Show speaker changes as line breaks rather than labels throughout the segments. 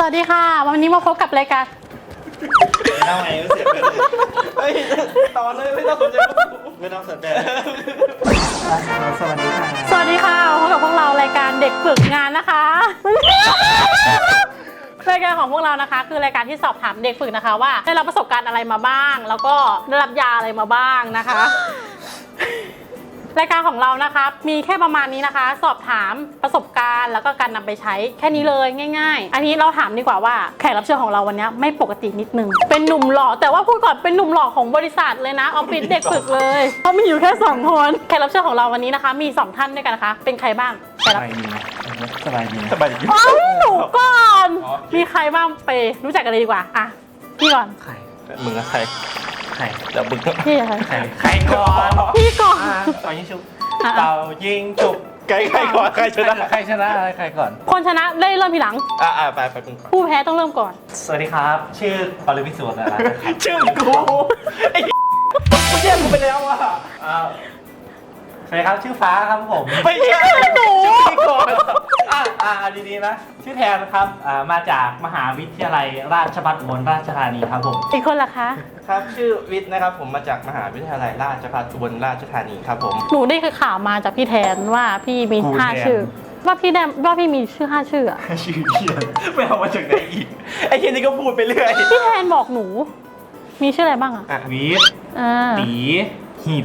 วัสดีค่ะวันนี้มาพบกับรายการ
ทำไมไม่เสียเลยเฮ้ยตอนเลยไม่ต้องสนใจไม่ต้องสนใจสวัสดีค่ะ
สวัสดีค่ะพบกับพวกเรารายการเด็กฝึกงานนะคะรายการของพวกเรานะคะคือรายการที่สอบถามเด็กฝึกนะคะว่าได้รับประสบการณ์อะไรมาบ้างแล้วก็ได้รับยาอะไรมาบ้างนะคะรายการของเรานะคะมีแค่ประมาณนี้นะคะสอบถามประสบการณ์แล้วก็การนำไปใช้แค่นี้เลยง่ายๆอันนี้เราถามดีกว่าว่าแขกรับเชิญของเราวันนี้ไม่ปกตินิดนึงเป็นหนุ่มหล่อแต่ว่าพูดก่อนเป็นหนุ่มหล่อของบริษัทเลยนะออฟฟิศเด็กฝึกเลยเพราะมีอยู่แค่2คนแขกรับเชิญของเราวันนี้นะคะมี2ท่านด้วยกันนะคะเป็นใครบ้าง
สบายดีนะสบายดี
หนูก่อนมีใครบ้างไปรู้จักกันเลยดีกว่าอ่ะพี่ก่อน
ใครมึงอะใครเดี๋ยวมึง
พี่
ใครก่อน
พี่ก่อน
ต่อยิงชุบเต่ายิงชุบใครก่อนใครชนะใครก่อน
คนชนะได้เริ่มทีหลัง
ไปมึง
ผู้แพ้ต้องเริ่มก่อน
สวัสดีครับชื่อปริวิสุทธิ์นะครับ
ชื่อกูไอ้เรียกกูไปแล้วอ่ะ
สวัสดีครับชื่อฟ้าครับผม
ไม่ใช่
หนู
ก่อน
ดีๆนะชื่อแทนครับมาจากมหาวิทยาลัยราชภัฏอุบลราชธานีครับผม
อีกคนล่ะคะ
ครับชื่อวิทย์นะครับผมมาจากมหาวิทยาลัยราชภัฏอุบลราชธานีครับผม
หนูได้คือข่าวมาจากพี่แทนว่าพี่มี5ชื่อว่าพี่มีชื่อ5ชื่ออะ
ชื่อเขียนไม่เอามาจากไหนอีกไอ้เขียนนี่ก็พูดไปเรื่อย
พี่แทนบอกหนูมีชื่ออะไรบ้างอะ
วิทย์ตีหิบ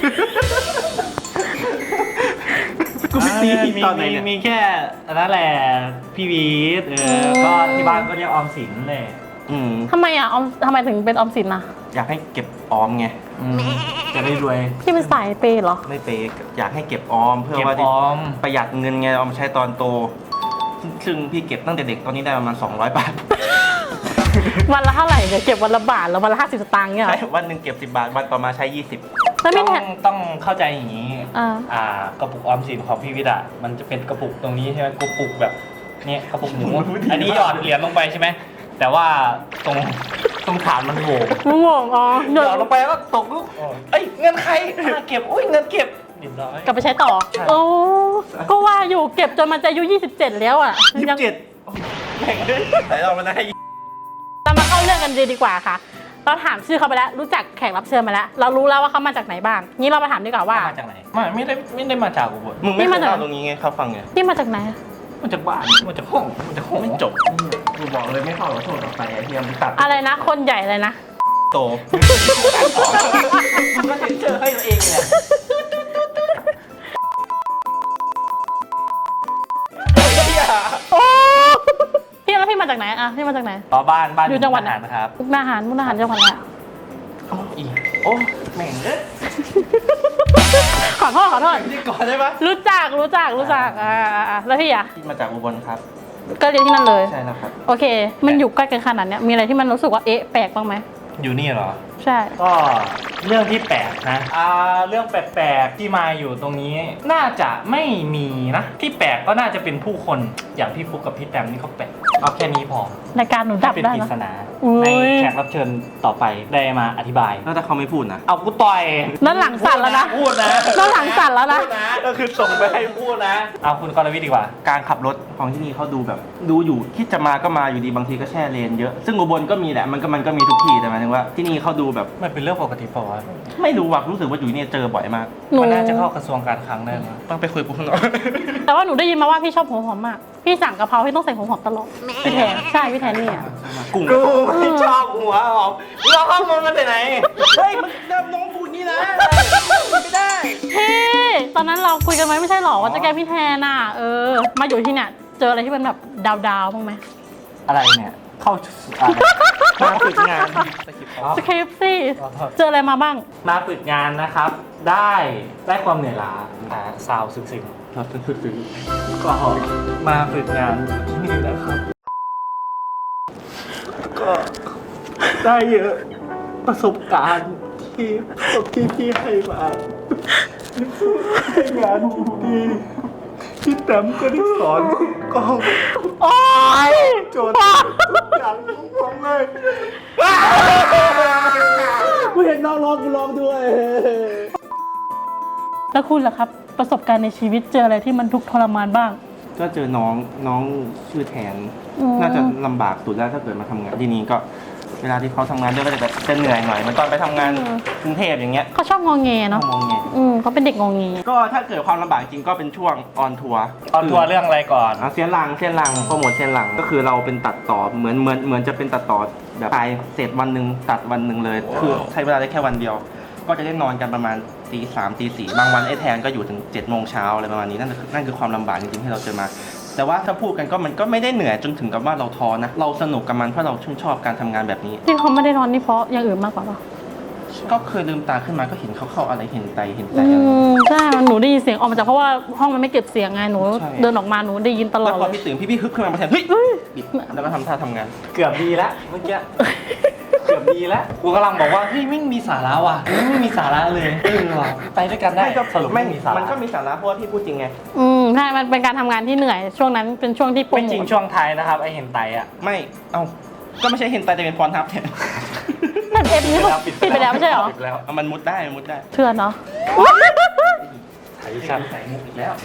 กูไม่ตีตอนไหนเนี่ย
มีแค่นั่นแหละพี่วีทก็ที่บ้านก็เรียกออมสินเลย
ทำไมอ่ะทำไมถึงเป็นออมสินอ่ะ
อยากให้เก็บออมไง
จะได้รวย
พี่เป็นสายเปย์เหรอ
ไม่เปย์อยากให้เก็บออมเพื่อว่าประหยัดเงินไงเอามาใช้ตอนโตซึ่งพี่เก็บตั้งแต่เด็กตอนนี้ได้ประมาณ200 บาท
วันละเท่าไหร่เนี่ยเก็บวันละบาทแล้ววันละ50 สตางค์เนี่ย
ใช่วันหนึ่งเก็บ10 บาทวันต่อมาใช้20
ต้องเข้าใจอย่างนี้กระปุกออมสินของพี่วิทย์มันจะเป็นกระปุกตรงนี้ใช่ไหมกระปุกแบบนี้กระปุกหมูอันนี้หยอดเหรียญลงไปใช่ไหมแต่ว่าตรงฐานมันโหว่หยอดลงไปแล้วตกลูกเงินใครเก็บเงินเก็บ
กลับไปใช้ต่อโอ้ก็ว่าอยู่เก็บจนมันจะอายุ27แล้วอ่ะ
27แข่งด้วยแต่เรามันได้
เรามาเข้าเรื่องกันดีกว่าค่ะเราถามชื่อเขาไปแล้วรู้จักแขกรับเชิญมาแล้วเรารู้แล้วว่าเขามาจากไหนบ้างงี้เรามาถามดีกว่าว่า
มาจากไหนไม่ได้มาจากอุบล
มึงไม่มาจากตรงนี้ไงเขาฟังไง
นี่มาจากไหน
มาจากบ้านมาจากห้องไม่จบ
กูบอกเลยไม่เข้าหรอกโทษต่อไปไอ้เหี้ยมันตัด
อะไรนะคนใหญ่เลยนะ
โตมึงก็เจอให้ตัวเองเนี่ย
พี่แล้วพี่มาจากไหนอ่ะพี่มาจากไหน
บ้าน
อยู่จังหวัดไหน
นะครับ
มุกดาหารจังหวัดอะไร
โอ้แม่งเอ้ย
ขอโทษ
นี่ก่อนได้ปะ
รู้จักแล้วพี่
พี่มาจากอุบลครับ
ก็เรียนที่นั่นเลย
ใช่แล้วครับ
โอเคมันอยู่ใกล้กันขนาดนี้มีอะไรที่มันรู้สึกว่าแปลกบ้างไหม
อยู่นี่เหรอ
ใช่
ก็เรื่องที่แปลกนะเรื่องแปลกๆที่มาอยู่ตรงนี้น่าจะไม่มีนะที่แปลกก็น่าจะเป็นผู้คนอย่างพี่ฟุกกับพี่แตมนี่เขาแปลกเอาแค่นี้พอ
ในการหนูดับได้
เป็นปริศนาในแขกรับเชิญต่อไปได้มาอธิบาย
แล้วถ้าเขาไม่พูดนะ
เอากูต่อย
นั่นหลังสั่นแล้วนะ
พูดนะ
นั่นหลังสั่นแล้วนะ
ก็คือส่งไปให้พูดนะเอาคุณกรวิทย์ดีกว่า
การขับรถของที่นี่เขาดูแบบดูอยู่คิดจะมาก็มาอยู่ดีบางทีก็แช่เลนเยอะซึ่งอุบลก็มีแหละมันก็มีทุกที่แต่หมายถึงว่าที่นี่เขาดูแบบ
มันเป็นเรื่องปกติป่าวะ
ไม่รู้ว่ะรู้สึกว่าอยู่นี่เจอบ่อยมาก
มันน่าจะเข้ากระทรวงการคลังได้ไหม
ต้องไปคุยกับคุณหน่อย
แต่ว่าหนูได้ยินมาว่าพี่ชอบหัวหอมมากพี่สั่งกะเพราพี่ต้องใส่หัวหอมตลอดพี่แทนใช่พี่แทนนี่อ่ะ
กูไม่ชอบหัวหอมเราเข้ามันไปไหนเฮ้ยมันน้องพูดนี่นะไม่ได้
พี่ตอนนั้นเราคุยกันไหมไม่ใช่หรอว่าจะแก้พี่แทนอ่ะมาอยู่ที่เนี่ยเจออะไรที่มันแบบดาวบ้างไหม
อะไรเนี่ยเข้า
มาฝึกงาน
สคริปต์สิเจออะไรมาบ้าง
มาฝึกงานนะครับได้ความเหนื่อยล้าซาวซึ้งก็มาฝึกงานที่นี่นะครับก็ได้เยอะประสบการณ์ที่พี่ให้มาให้งานที่ดีพี่แต้มก็ได้สอนก็
โอ๊ย
โจทย์ทุกอย่างทุกของเลยกูเห็นน้องร้องกูร้องด้วย
แล้วคุณล่ะครับประสบการณ์ในชีวิตเจออะไรที่มันทุกข์ทรมานบ้าง
ก็เจอน้องชื่อแทน น่าจะลำบากสุดแล้วถ้าเกิดมาทำงานที่นี่ก็เวลาที่เขาทำงานด้วยก็จะเหนื่อยหน่อยเหมือนตอนไปทำงานกรุงเทพอย่างเงี้ย
เขาชอบงอแงเนาะ
มองไง
เขาเป็นเด็กงอแง
ก็ถ้าเกิดความลำบากจริงก็เป็นช่วงออนทัวร์
ตอนทัวร์เรื่องอะไรก่อน
เสียนหลังโปรโมทเสียนหลังก็คือเราเป็นตัดต่อเหมือนจะเป็นตัดต่อแบบถ่ายเสร็จวันหนึ่งตัดวันหนึ่งเลย คือใช้เวลาได้แค่วันเดียว ก็จะได้นอนกันประมาณตี 3 ตี 4บางวันไอ้แทนก็อยู่ถึง7 โมงเช้าอะไรประมาณนี้นั่นคือความลำบากจริงๆที่เราเจอมา แต่ว่าถ้าพูดกันก็มันก็ไม่ได้เหนื่อยจนถึงกับว่าเราท้อนะเราสนุกกับมันเพราะเราชื่นชอบการทำงานแบบนี้
ที่เขาไม่ได้นอนนี่เพราะอย่างอื่นมากกว่าป่ะ
ก็เคยลืมตาขึ้นมาก็เห็นเขาเข้าอะไรเห็นไตอะไร
ใช่หนูได้ยินเสียงออกมาจากเพราะว่าห้องมันไม่เก็บเสียงไงหนู
ใช่
เดินออกมาหนูได้ยินตลอ
แล้
ด
วพ
เล
อย พี่ตื่นพี่ฮึบขึ้นมาแทนเฮ้ยบิดแล้วก็ทำท่าทำงาน
เกือบดีแล้วเมื่อกี้ เกือบดีแล้วกูกำลังบอกว่าเฮ้ยไม่มีสาระว่ะไม่มีสาระเลยว่ะไปด้วยกันได้สรุปไม่มีสาระ
มันก็มีสาระเพราะว่าพี่พูดจริงไง
ใช่มันเป็นการทำงานที่เหนื่อยช่วงนั้นเป็นช่วงที่โปร
ไม่
โม
จริง
ท
ช่วงท้ายนะครับไอเห็นไตอ่ะ
ไม่เอาก็ไม่ใช่เห็นไตแต่เป็นพรทับแทน
แต่เอฟนี้ปิดไปแล้วไม่ใช่เหรอ
ปิดแล้ว
เอามันมุดได้
เถื่อนเนาะ
ไถชัน
ใส่มุกอีกแล้ว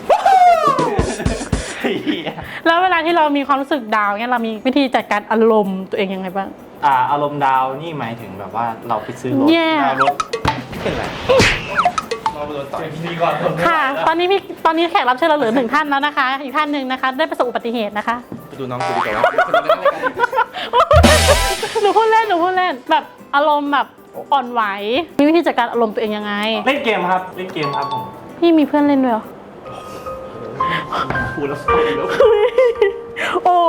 แล้วเวลาที่เรามีความรู้สึกดาวน์เนี่ยเรามีวิธีจัดการอารมณ์ตัวเองยังไงบ้าง
อารมณ์ดาวนี่หมายถึงแบบว่าเราไปซื้อรถ
แย่
ดาวรถเป็นไรเราไปโดนต่อย
ดีก่อน
ค่ะ ตอนนี้แขกรับเชิญเราเหลือ1 ท่านแล้วนะคะ อีกท่านหนึ่งนะคะ ได้ประสบอุบัติเหตุนะคะ
ไปดูน้องกูดีกว่า
หนูพูดเล่นแบบอารมณ์แบบอ่อนไหวมีวิธีจัดการอารมณ์ตัวเองยังไง
เล่นเกมครับผม
พี่มีเพื่อนเล่นด้วยเหรอ
พูดแล้วสวยแล้ว
โอ้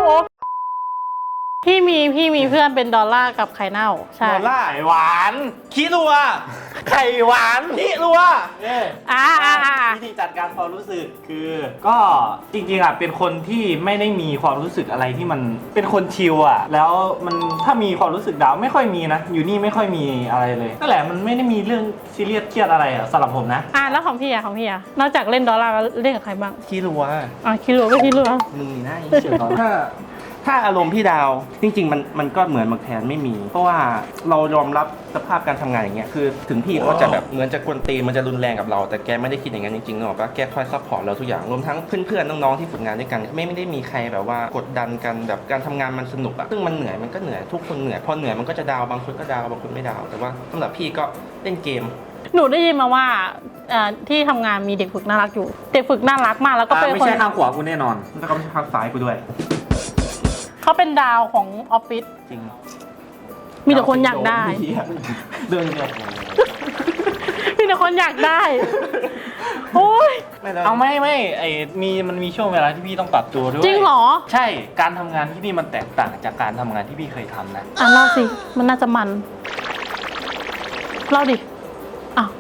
พี่มีเพื่อนเป็นดอลลาร์กับไข่เน่าใช่
ดอลล่า
ไข่หวาน
ขี้รัว
ไข่หวาน
ขี้รัว
อ่า
วิธีจัดการความรู้สึกคือ ก็จริงๆอ่ะเป็นคนที่ไม่ได้มีความรู้สึกอะไรที่มันเป็นคนชิลอ่ะแล้วมันถ้ามีความรู้สึกดาวไม่ค่อยมีนะอยู่นี่ไม่ค่อยมีอะไรเลยนั่นแหละมันไม่ได้มีเรื่องซีเรียสเครียดอะไรอ่ะสำหรับผมนะ
แล้วของพี่นอกจากเล่นดอลลาร์แล้วเล่นกับใครบ้าง
ขี้รัว
คิดรัวก็คิดรัว
มึงนี่น่าเชื่อตอนถ้าอารมณ์พี่ดาวจริงๆมันก็เหมือนมักแทนไม่มี เพราะว่าเรายอมรับสภาพการทำงานอย่างเงี้ยคือถึงพี่เขาจะแบบเหมือนจะกวนตีนมันจะรุนแรงกับเราแต่แกไม่ได้คิดอย่างนั้นจริงๆหรอกว่าแกคอยซัพพอร์ตเราทุกอย่างรวมทั้งเพื่อนๆน้องๆที่ฝึกงานด้วยกันไม่ได้มีใครแบบว่ากดดันกันแบบการทำงานมันสนุกอะซึ่งมันเหนื่อยมันก็เหนื่อยทุกคนเหนื่อยพอเหนื่อยมันก็จะดาวบางคนก็ดาวบางคนไม่ดาวแต่ว่าสำหรับพี่ก็เล่นเกม
หนูได้ยินมาว่าที่ทำงานมีเด็กฝึกน่ารักอยู่ เด็กฝึกน่ารักมากแล้วก็เป็น
ไม่
คน
ใช่ทางขวากูแน่นอน
แล้วก็ไม่ใช่ภาคซ้ายกูด้วย
เขาเป็นดาวของออฟฟิศ
จริง
มีแต่คนอยากได้
เดินเนี่ย
มีแต่คนอยากได้โอ้ย
เอาไม่มันมีช่วงเวลาที่พี่ต้องปรับตัวด้วย
จริงเหรอ
ใช่การทำงานที่นี่มันแตกต่างจากการทำงานที่พี่เคยทำนะ
เล่าสิมันน่าจะมันเล่าดิอ้าว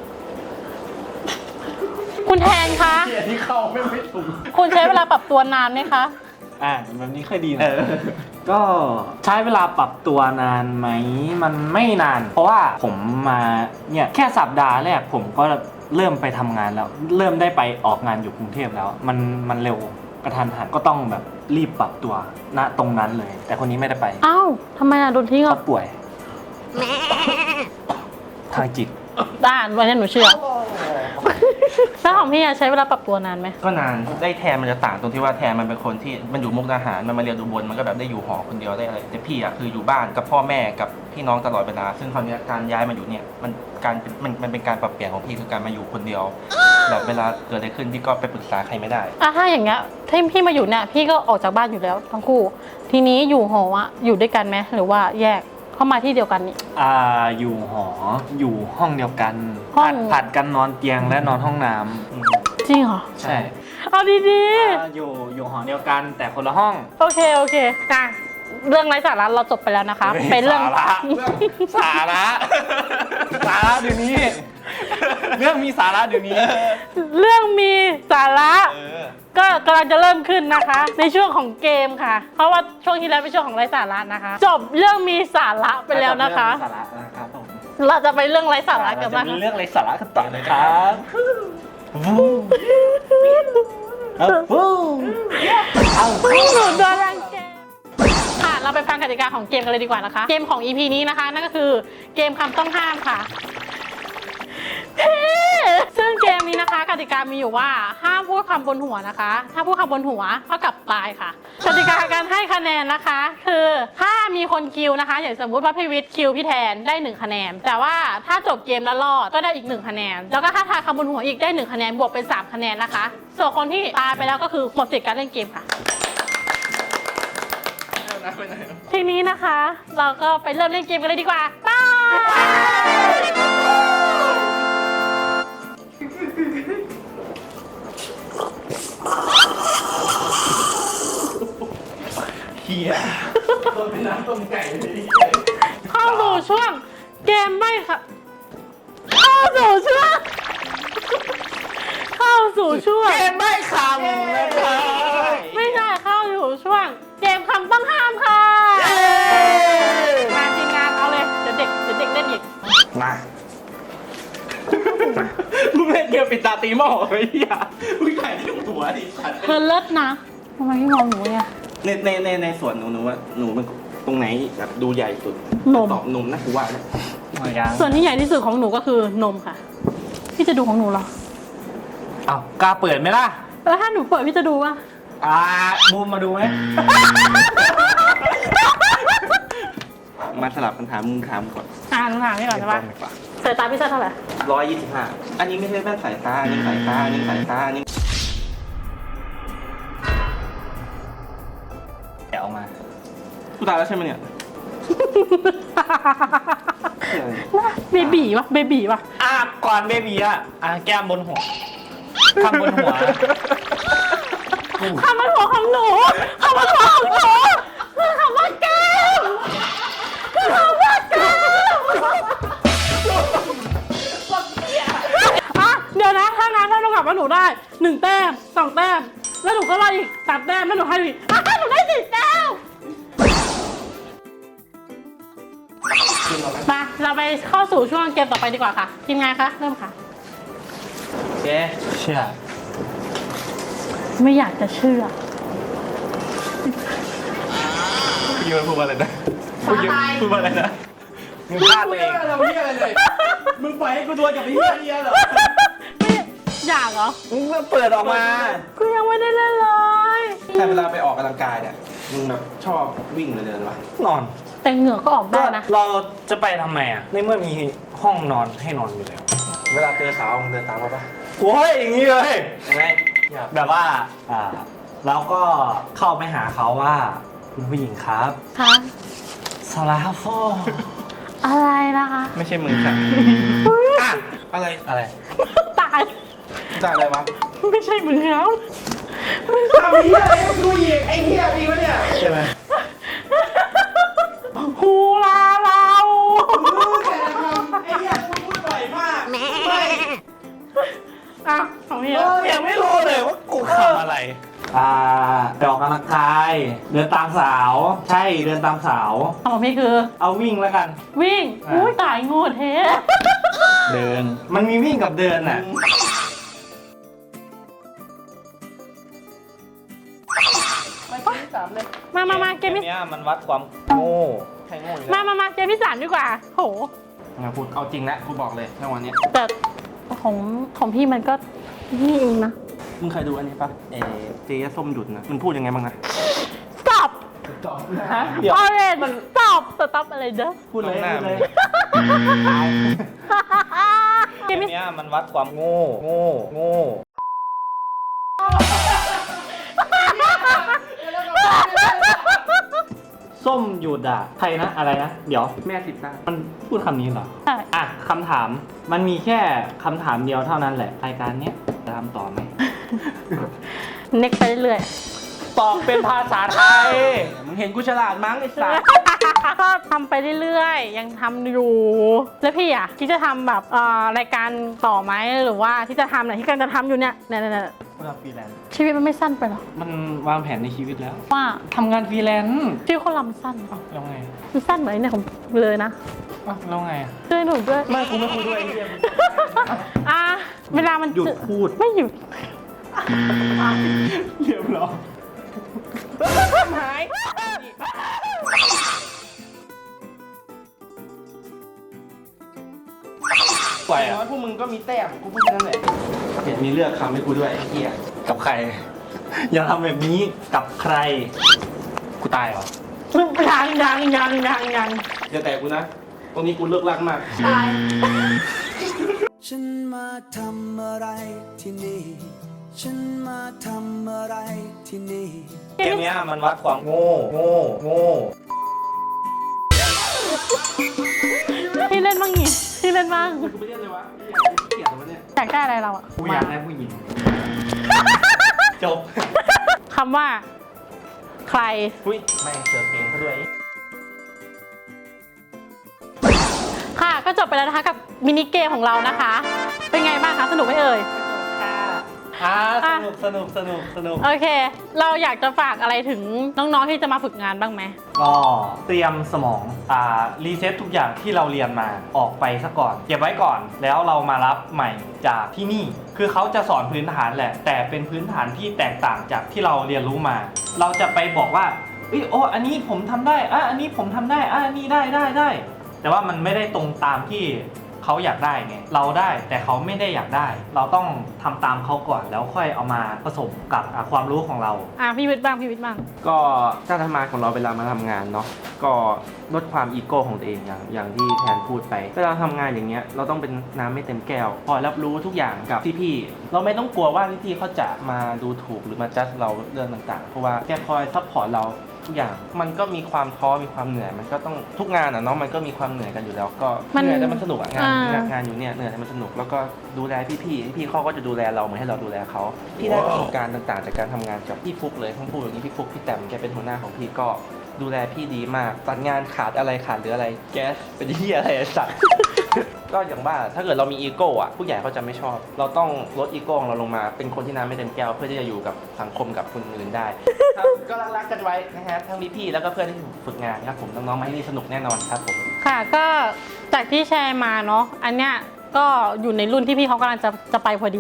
คุณแทนคะ
ที่เข้าไม่ถูก
คุณใช้เวลาปรับตัวนานไหมคะ
แบบนี้ค่อยดีนะก็ใช้เวลาปรับตัวนานไหมมันไม่นาน เพราะว่าผมมาเนี่ยแค่สัปดาห์แรกผมก็เริ่มไปทำงานแล้ว เริ่มได้ไปออกงานอยู่กรุงเทพแล้ว มันเร็วกระทันหันก็ต้องแบบรีบปรับตัวณตรงนั้นเลย แต่คนนี้ไม่ได้ไป
อ้าวทำไมโดนทิ้ง
เขา
อ่ะ
ป่วย ทางจิต
วันนี้หนูเชื่อแล้วของพี่ใช้เวลาปรับตัวนานไหม
ก็นานได้แทนมันจะต่างตรงที่ว่าแทนมันเป็นคนที่มันอยู่มุกดาหารมันมาเรียนอุบลมันก็แบบได้อยู่หอคนเดียวได้อะไรแต่พี่อ่ะคืออยู่บ้านกับพ่อแม่กับพี่น้องตลอดเวลาซึ่งคราวนี้การย้ายมาอยู่เนี่ยมันเป็นการปรับเปลี่ยนของพี่คือการมาอยู่คนเดียวแบบเวลาเกิดอะไรขึ้นพี่ก็ไปปรึกษาใครไม่ได้
ถ้าอย่างเงี้ยที่พี่มาอยู่เนี่ยพี่ก็ออกจากบ้านอยู่แล้วทั้งคู่ ทีนี้อยู่หออยู่ด้วยกันไหมหรือว่าแยกเข้ามาที่เดียวกันนี่
อยู่หออยู่ห้องเดียวกัน
ห้อง
ผัดกันนอนเตียงและนอนห้องน้
จริงเหรอ
ำใช่
เอาดี
อยู่หอเดียวกันแต่คนละห้อง
ๆโอเคเรื่องไร้สาระเราจบไปแล้วนะคะ เป็นเรื่อง
สาระเดี๋ยวนี้ เรื่องมีสาระเดี๋ยวนี้
เรื่องมีสาระก็กำลังจะเริ่มขึ้นนะคะ ในช่วงของเกมค่ะ เพราะว่าช่วงที่แล้วเป็นช่วงของไร้สาระนะคะ จบเรื่องมีสาระไปแล้วนะคะ
สาระนะครับผม
เราจะไปเรื่องไร้สาระกัน
จะ
บ้าง
มีเรื่องอะไรสาระกันต่อเลยครับ
หนูโดนรังแกค่ะเราไปฟังกติกาของเกมกันเลยดีกว่านะคะ เกมของ EP นี้นะคะนั่นก็คือเกมคำต้องห้ามค่ะซึ่งงเกมนี้นะคะกติกามีอยู่ว่าห้ามพูดคำบนหัวนะคะ ถ้าพูดคำบนหัวเท่ากับตายค่ะกติกาการให้คะแนนนะคะ คือถ้ามีคนคิวนะคะ อย่างสมมุติว่าพี่วิทย์คิวพี่แทนได้1คะแนนแต่ว่าถ้าจบเกมแล้วรอดก็ได้อีก1คะแนนแล้วก็ถ้าทายคำบนหัวอีกได้1คะแนนบวกเป็น3คะแนนนะคะส่วนคนที่ตายไปแล้วก็คือหมดสิทธิ์การเล่นเกมค่ะทีนี้นะคะ เราก็ไปเริ่มเล่นเกมกันเลยดีกว่าไป
เฮียโดนเป็นน้ำต้มไก่เลย
เข้าสู่ช่วงเกมไม่ค่ะเข้าสู่ช่วง
เกมไม่คำนะครับ
ไม่ใช่เข้าสู่ช่วงเกมคำต้องห้ามค่ะมาทีมงานเอาเลยเดี๋ยวเด็กเล่นอีก
มามึงเล่นเกมปิดตาตีหม้อไอ้เหี้ยมึงถ่ายที่หัวดิสัตว์
เธอเลิศนะทำไมพี่มองหนูเนี่ย
ในส่วนหนูว่าหนูมันตรงไหนแบบดูใหญ่สุด
นม
ตอบนมนะกูว่านะ
ส่วนที่ใหญ่ที่สุดของหนูก็คือนมค่ะพี่จะดูของหนูเหรอ
อ้าวกล้าเปิดไหมล่ะ
แล้วถ้าหนูเปิดพี่จะดูว่า
บูมมาดูไหม
มาสลับปัญหามึงถามก่อน
หนูถามพี่ก่อนใช่ปะสายตาพี่สั้นเท่าไหร่
125อันนี้ไม่ใช่แว่นสายตาอันนี้สายตาอันนี้สายตาอันนี้
เดี๋ยวเอามา
กูตายแล้วใช่ไหมเนี่ย
เบบีวะเบบีวะ
ก่อนเบบีแก้มบนหัวคำบนหัว
คำมันหัวของหนูคำมันหัวของหนูคือคำว่าแก้มคือคำว่าแก้มเดี๋ยวนะถ้างั้นถ้าหนูกลับมาหนูได้1แต้ม2แต้มแล้วหนูก็รออีก3แต้มแล้วหนูให้อีกหนูได้4แต้มมาเราไปเข้าสู่ช่วงเกมต่อไปดีกว่าค่ะทีมงานคะเริ่มค่ะ
โอเค
เชื่อ
ไม่อยากจะเชื่อ
พี่มันพูดว่าอะไรนะพูดว่าอะไรนะ
มึงพลาดตัวเอง
เราเฮียอะไรเลยมึงปล่อยให้กูดวลกับไอ้เฮียเหรอ
ไม่อยากเหรอ
มึงก็เปิดออกมา
กูยังไม่ได้เล่นเลย
แต่เวลาไปออกกำลังกายเนี่ยมึงแบบชอบวิ่งเลยเดินวะ
นอน
แต่เหงื่อก็ออกได้นะ
เราจะไปทำไมในเมื่อมีห้องนอนให้นอนอยู่แล้ว
เวลาเจอสาวมึงเดินตามเขาปะ
โอ้ยอย่างนี้เลย
ยังไง
แบบว่าเราก็เข้าไปหาเขาว่าคุณผู้หญิงครับ
คะ
สลาโฟ
อะไรนะคะ
ไม่ใช่มึงค่ะอ่ะอะไร
อะไร
ตาย
จ่ายอะไรวะ
ไม่ใช่มือเขา
ทำเฮียอะไรกับกูอีกไอ้เฮียอีกวะเนี่ยใช่ไหม
ฮูลาเรา
แต่ละคำไอ้เฮียกูพูดบ่อยมากไม่
อ่ะของพี่
ยังไม่รู้เลยว่ากูทำอะไรไปออกกำลังกายเดินตามสาว ใช่เดินตามสาว
ของพี่คือ
เอาวิ่งแล้วกัน
วิ่ง อุ้ยตายงูเท
เดิน มันมีวิ่งกับเดินน่ะ
มาเกมที่
เนี้ยมันวัดความโง่ใช่โง่อยู่แล้ว
มาเกมที่3ดีกว่า โห
นะพูดเอาจริงนะกูบอกเลยในวันนี้
แต่ของพี่มันก็นี่เองนะ
มึงเคยดูอันนี้ปะเจ๊ส้มหยุดนะมันพูดยังไงบ้างนะ
stop
ฮะเดี๋ยว
orange stop อะไรเด้อ
พูดเลยพูดเลย
เกมที่
เนี้ยมันวัดความโง่ ส้มหยุดใครนะอะไรนะ เดี๋ยว
แม่ติดตา
มันพูดคำนี้เหรอ
ใช่
คำถามมันมีแค่คำถามเดียวเท่านั้นแหละรายการเนี้ยจะทำต่อไหม
เน็กไปเรื่อย
ตอบเป็นภาษาไทย
มึงเห็นกูฉลาดมั้งไอ้สัส
ก็ทำไปเรื่อยๆ ยังทำอยู่ แล้วพี่อ่ะคิดจะทำแบบรายการต่อไหมหรือว่าที่จะทำไหนที่กำลังจะทำอยู่เนี่ย
เราฟรีแลนซ์
ชีวิตมันไม่สั้นไปหรอ
มันวางแผนในชีวิตแล้ว
ว่า
ทำงานฟรีแลนซ์
ชีวิตคนเรามันสั้นปะ
แล้วไง
มันสั้นเหมือนเนี่ยของเลยนะ
แล้วไง
ช่วยหนูด้วย
ไม่กูไม่คุยด้วยไอ้เหี้ย
เวลามัน
หยุดพูด
ไม่หยุด
เรียบร้อย
หาย
ปล่อย
อย่าง
อ่ะ
น้อยพวกมึงก็มีแต้มกูพูดแค่นั้นแหละเห็นมีเลือกคำให้กูด้วยไอ้เหี้ย
กับใคร อย่าทำแบบนี้กับใคร กูตายเหรอ
ยัง
อย่าแตะกูนะตรงนี้กูเลิกลักมาก
ฉันมาทำอะไรที่นี่ ฉันมาทำอะไรที่นี่
เกมเนี้ยมันวัดความโง่
พี่เล่นบ้างนี่พี่เล่นบ้าง
กูไม่เล่นเลยวะเกลียดเลยวะเนี่ย
อยากได้อะไรเราอะ
กูอยากได้ผู้หญิง จบ
คำว่า ใคร
อุ้ยแม่งเสิร์ฟเพลงซะด้วย
ค่ะก็จบไปแล้วนะคะกับมินิเกมของเรานะคะ เป็นไงบ้างคะสนุกไหมเอ่ย
สนุก
โอเค เราอยากจะฝากอะไรถึงน้องๆที่จะมาฝึกงานบ้างไหม
ก็เตรียมสมองรีเซ็ตทุกอย่างที่เราเรียนมาออกไปซะก่อน เก็บไว้ก่อน แล้วเรามารับใหม่จากที่นี่ คือเขาจะสอนพื้นฐานแหละ แต่เป็นพื้นฐานที่แตกต่างจากที่เราเรียนรู้มา เราจะไปบอกว่าโอ้อันนี้ผมทำได้อันนี้ผมทำได้อันนี้ได้ แต่ว่ามันไม่ได้ตรงตามที่เขาอยากได้ไง เราได้แต่เขาไม่ได้อยากได้ เราต้องทำตามเขาก่อนแล้วค่อยเอามาผสมกับความรู้ของเรา
พี่วิทย์บ้าง
ก็การทำงานของเราเวลามาทำงานเนาะก็ลดความอีโก้ของตัวเองอย่างที่แทนพูดไปเวลาทำงานอย่างเงี้ยเราต้องเป็นน้ำไม่เต็มแก้วคอยรับรู้ทุกอย่างกับพี่ๆเราไม่ต้องกลัวว่าพี่ๆเขาจะมาดูถูกหรือมาจัดเราเรื่องต่างๆเพราะว่าแกคอยซัพพอร์ตเราทุกอย่างมันก็มีความท้อมีความเหนื่อยมันก็ต้องทุกงานอ่ะเนาะมันก็มีความเหนื่อยกันอยู่แล้วก็เหนื่อยแต่มันสนุกอ่ะงานอยู่เนี่ยเหนื่อยแต่มันสนุกแล้วก็ดูแลพี่เขาก็จะดูแลเราเหมือนให้เราดูแลเขาพี่ได้ประสบการณ์ต่างๆจากการทำงานกับพี่ฟุกเลยต้องพูดอย่างนี้พี่ฟุกพี่แต้มแกเป็นหัวหน้าของพี่ก็ดูแลพี่ดีมากตัดงานขาดหรืออะไรแก๊สเป็นที่อะไรสัตว์ ก็อย่างว่าถ้าเกิดเรามีอีโก้อะผู้ใหญ่เขาจะไม่ชอบ เราต้องลดอีโก้ของเราลงมาเป็นคนที่น้ำไม่เต็มแก้วเพื่อที่จะอยู่กับสังคมกับคนอื่นได้ ครับก็รักๆกันไว้นะฮะทั้งพี่ๆแล้วก็เพื่อนที่ฝึกงานครับผมน้องๆมาที่นี่สนุกแน่นอนครับผม
ค่ะก็จากที่แชร์มาเนาะอันเนี้ยก็อยู่ในรุ่นที่พี่เขากำลังจะไปพอดี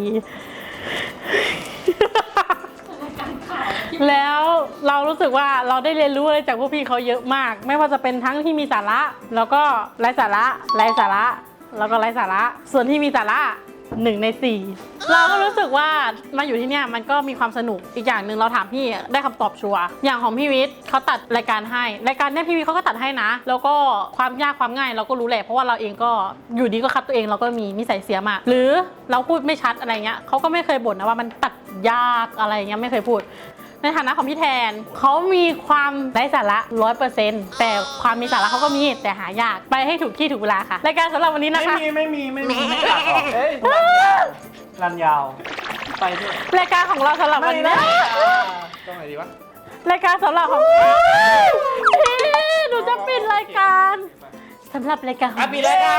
แล้วเรารู้สึกว่าเราได้เรียนรู้อะไรจากพวกพี่เขาเยอะมาก ไม่ว่าจะเป็นทั้งที่มีสาระแล้วก็ไร้สาระแล้วก็ไร้สาระส่วนที่มีสาระ1 ใน 4เราก็รู้สึกว่ามาอยู่ที่เนี่ยมันก็มีความสนุกอีกอย่างหนึ่งเราถามพี่ได้คำตอบชัวร์อย่างของพี่วิทย์เขาตัดรายการให้รายการเนี่ยพี่วิทย์เขาก็ตัดให้นะแล้วก็ความยากความง่ายเราก็รู้แหละเพราะว่าเราเองก็อยู่ดีก็คัดตัวเองเราก็มีนิสัยเสียมาหรือเราพูดไม่ชัดอะไรเงี้ยเขาก็ไม่เคยบ่นนะว่ามันตัดยากอะไรเงี้ยไม่เคยพูดในฐานะของพี่แทนเขามีความไร้สาระ 100% แต่ความมีสาระเขาก็มีแต่หายากไปให้ถูกที่ถูกเวลาค่ะรายการสำหรับวันนี้นะคะ
ไม่มีตัดออกรันยาวไปด้วย
รายการของเราสำหรับวันนี้
ต้องไหนดีวะ
รายการสำหรับของพี่หนูจะปิดรายการสำหรับรายการของ
ปิดรายการ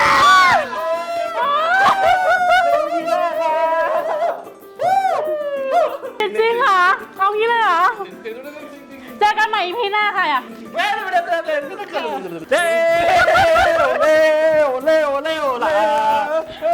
จริงเหรอเอางี้เลยเหรอเจอกันใหม่ EP หน้าค่ะ
เร็วล่ะ